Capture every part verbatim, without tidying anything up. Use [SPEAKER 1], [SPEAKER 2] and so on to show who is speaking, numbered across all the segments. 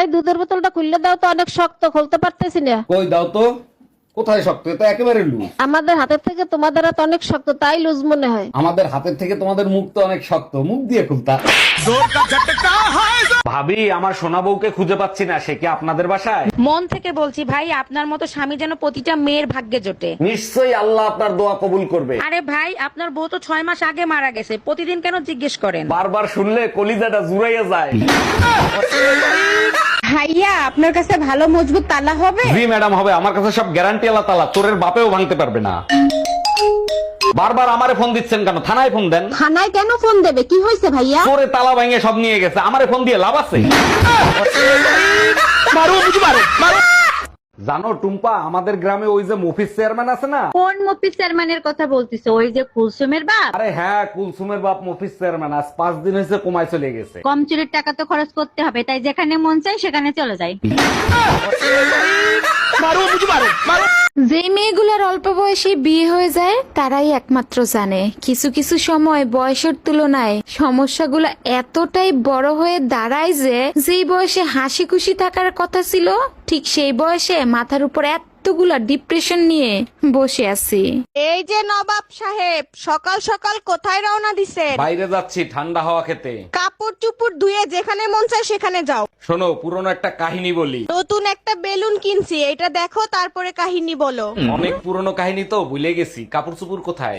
[SPEAKER 1] ভাই দুধের বোতলটা খুললে দাও তো, অনেক শক্ত, খুলতে পারতেছি না।
[SPEAKER 2] কই দাও তো, কোথায় শক্ত? এটা একেবারে লুজ।
[SPEAKER 1] আমাদের হাতের থেকে তোমাদের হাত অনেক শক্ত, তাই লুজ মনে হয়।
[SPEAKER 2] আমাদের হাতের থেকে তোমাদের মুখ তো অনেক শক্ত, মুখ দিয়ে খুলতা। ভাবি, আমার সোনা বউকে খুঁজে পাচ্ছি না, সে কি আপনাদের বাসায়?
[SPEAKER 3] মন থেকে বলছি ভাই, আপনার মতো স্বামী যেন প্রতিটা মেয়ের ভাগ্যে জোটে।
[SPEAKER 2] নিশ্চয়ই আল্লাহ আপনার দোয়া কবুল করবে।
[SPEAKER 3] আরে ভাই, আপনার বউ তো ছয় মাস আগে মারা গেছে, প্রতিদিন কেন জিজ্ঞেস করেন?
[SPEAKER 2] বারবার শুনলে কলিজাটা জুড়াইয়া যায়।
[SPEAKER 3] ভাইয়া, আপনার কাছে ভালো মজবুত তালা হবে?
[SPEAKER 2] জি ম্যাডাম, হবে। আমার কাছে সব গ্যারান্টি আল্লাহ তালা, চোরের বাপেও ভাঙতে পারবে না। বারবার আমারে ফোন দিচ্ছেন কেন? থানায় ফোন দেন।
[SPEAKER 1] থানায় কেন ফোন দেবে? কি হয়েছে ভাইয়া?
[SPEAKER 2] চোরে তালা ভাঙে সব নিয়ে গেছে, আমারে ফোন দিয়ে লাভ আছে? জানো টুম্পা, আমাদের গ্রামে ওই যে মফিজ চেয়ারম্যান আছে না?
[SPEAKER 3] কোন মফিজ চেয়ারম্যানের কথা বলতিছে? ওই যে কুলসুমের বাপ?
[SPEAKER 2] আরে হ্যাঁ, কুলসুমের বাপ মফিজ চেয়ারম্যান আজ পাঁচ দিন হয়েছে কমায় চলে গেছে।
[SPEAKER 3] কম চুরির টাকা তো খরচ করতে হবে, তাই যেখানে মন চাই সেখানে চলে যায়।
[SPEAKER 4] যে মেয়েগুলোর অল্প বয়সে বিয়ে হয়ে যায় তারাই একমাত্র জানে কিছু কিছু সময় বয়সের তুলনায় সমস্যাগুলো এতটাই বড় হয়ে দাঁড়ায় যে যেই বয়সে হাসি খুশি থাকার কথা ছিল ঠিক সেই বয়সে মাথার উপর এতগুলা ডিপ্রেশন নিয়ে বসে আছি।
[SPEAKER 5] এই যে নবাব সাহেব, সকাল সকাল কোথায় রওনা দিছেন?
[SPEAKER 2] বাইরে যাচ্ছি ঠান্ডা হাওয়া খেতে।
[SPEAKER 5] কাপড় চুপড় ধুয়ে যেখানে মন চায় সেখানে যাও।
[SPEAKER 2] শোনো, পুরনো একটা কাহিনী বলি।
[SPEAKER 5] নতুন একটা বেলুন কিনছি, এটা দেখো তারপরে কাহিনী বলো।
[SPEAKER 2] অনেক পুরনো কাহিনী তো ভুলে গেছি। কাপড় চুপুর কোথায়?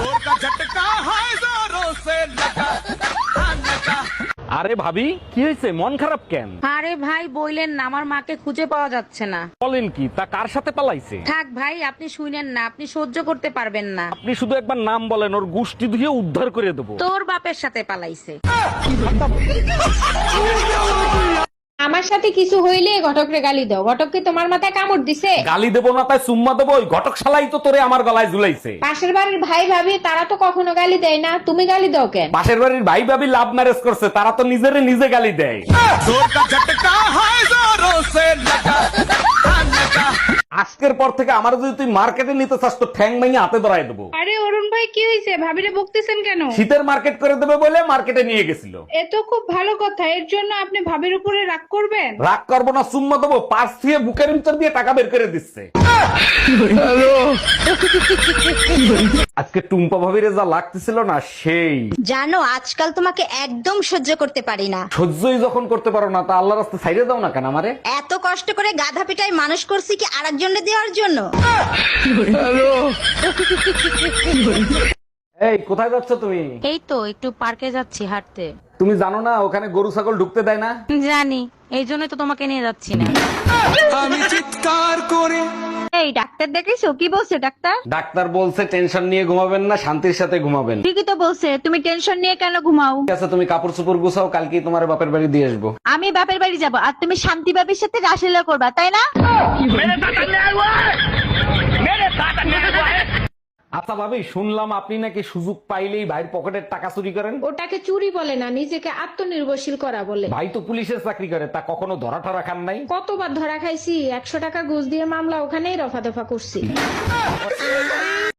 [SPEAKER 2] আরে ভাবি, কি হয়েছে? মন খারাপ কেন?
[SPEAKER 3] আরে ভাই বইলেন না, আমার মাকে খুঁজে পাওয়া যাচ্ছে না।
[SPEAKER 2] বলেন কি? তা কার সাথে পালাইছে?
[SPEAKER 3] থাক ভাই, আপনি শুনেন না, আপনি সহ্য করতে পারবেন না।
[SPEAKER 2] আপনি শুধু একবার নাম বলেন, ওর গুষ্টি ধুয়ে উদ্ধার করে দেবো।
[SPEAKER 3] তোর বাপের সাথে পালাইছে।
[SPEAKER 6] আমার সাথে কিছু হইলে ঘটকরে গালি দাও। ঘটক কি তোমার মাথায় কামড় দিছে?
[SPEAKER 2] গালি দেবো না তাই চুম্মা দেবো? ওই ঘটক শালাই তো তোরে আমার গলায় ঝুলাইছে।
[SPEAKER 6] পাশের বাড়ির ভাই ভাবি তারা তো কখনো গালি দেয় না, তুমি গালি দাও কেন?
[SPEAKER 2] পাশের বাড়ির ভাই ভাবি লাভ ম্যারেজ করছে, তারা তো নিজেরে নিজে গালি দেয়। আজকের পর থেকে আমার যদি তুই মার্কেটে নিতে চাস তো ঠ্যাং ভেঙে হাতে ধরাই দেবো।
[SPEAKER 6] আরে অরুণ ভাই, কি হয়েছে? ভাবিরে বকতেছেন কেন?
[SPEAKER 2] শীতের মার্কেট করে দেবে বলে মার্কেটে নিয়ে গেছিল।
[SPEAKER 6] এ তো খুব ভালো কথা, এর জন্য আপনি ভাবির উপরে রাগ করবেন?
[SPEAKER 2] রাগ করবো না, চুম্মা দেবো। পার্স দিয়ে বুকের ভিতর দিয়ে টাকা বের করে দিচ্ছে। আজকে টুম্পা ভাবিরে যা লাগতেছিল না সেই।
[SPEAKER 7] জানো, আজকাল তোমাকে একদম সহ্য করতে পারি না।
[SPEAKER 2] সহ্যই যখন করতে পারো না, তা আল্লাহ রাস্তা ছাইড়ে দাও না কেন আমারে?
[SPEAKER 7] এত কষ্ট করে গাধা পিটাই মানুষ করছি কি আরেকজনকে দেওয়ার জন্য?
[SPEAKER 2] এই কোথায় যাচ্ছ তুমি?
[SPEAKER 3] এই তো একটু পার্কে যাচ্ছি হাঁটতে।
[SPEAKER 2] তুমি জানো না ওখানে গরু ছাগল ঢুকতে দেয় না?
[SPEAKER 3] জানি, এই জন্যই তো তোমাকে নিয়ে যাচ্ছি না।
[SPEAKER 7] এই ডাক্তার দেখেছো? কি বলছে ডাক্তার?
[SPEAKER 2] ডাক্তার বলছে টেনশন নিয়ে ঘুমাবেন না, শান্তির সাথে ঘুমাবেন।
[SPEAKER 7] ঠিকই তো বলছে, তুমি টেনশন নিয়ে কেন ঘুমাও?
[SPEAKER 2] ঠিক আছে, তুমি কাপড় চোপড় গুছাও, কালকেই তোমার বাপের বাড়ি দিয়ে আসবো।
[SPEAKER 7] আমি বাপের বাড়ি যাব আর তুমি শান্তি বাবির সাথে রাসলীলা করবা, তাই না?
[SPEAKER 2] আচ্ছা ভাবি, শুনলাম আপনি নাকি সুযোগ পাইলেই ভাইয়ের পকেটের টাকা চুরি করেন।
[SPEAKER 6] ওটাকে চুরি বলে না, নিজেকে আত্মনির্ভরশীল করা বলে।
[SPEAKER 2] ভাই তো পুলিশের চাকরি করে, তা কখনো ধরা ঠরা খান নাই?
[SPEAKER 6] কতবার ধরা খাইছি, একশো টাকা ঘুষ দিয়ে মামলা ওখানেই রফা দফা করছি।